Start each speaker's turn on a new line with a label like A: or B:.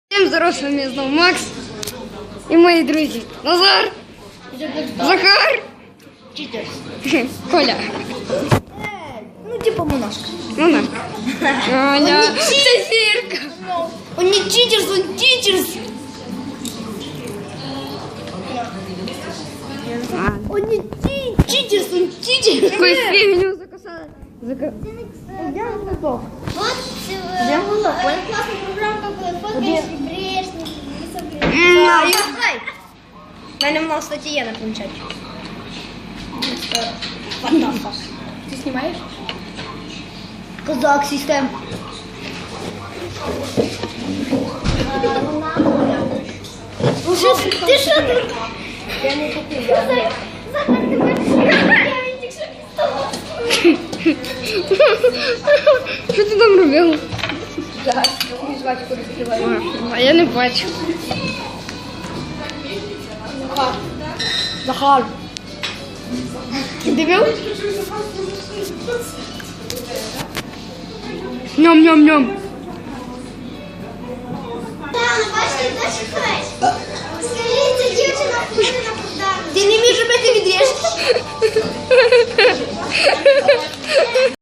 A: Всем здоров, с вами снова Макс и мои друзья Назар, Захар, Коля.
B: Ну типа монашка.
A: Монашка. Аня. Софирка.
B: Он не читерс, он титерс. Он не читерс, он титерс.
A: Какой фигню закусала.
B: Где он глубок?
C: Вот
B: Где он глубок?
C: классная программа, как фоткаешь и бреешь, не
B: У мене в нас статті є на планшеті. Ти знімаєш? Козак систем.
C: Ти що тут?
B: Я не купив.
C: Захар, я тільки
A: Що ти там робив?
B: Зараз жвачку розкриваю.
A: А я не бачу.
B: Захар. Ти дивив?
A: Ням-ням-ням.
C: Бачите, дочекай. Скажіть, дівчина ходить на подарунок.
B: Ти не міг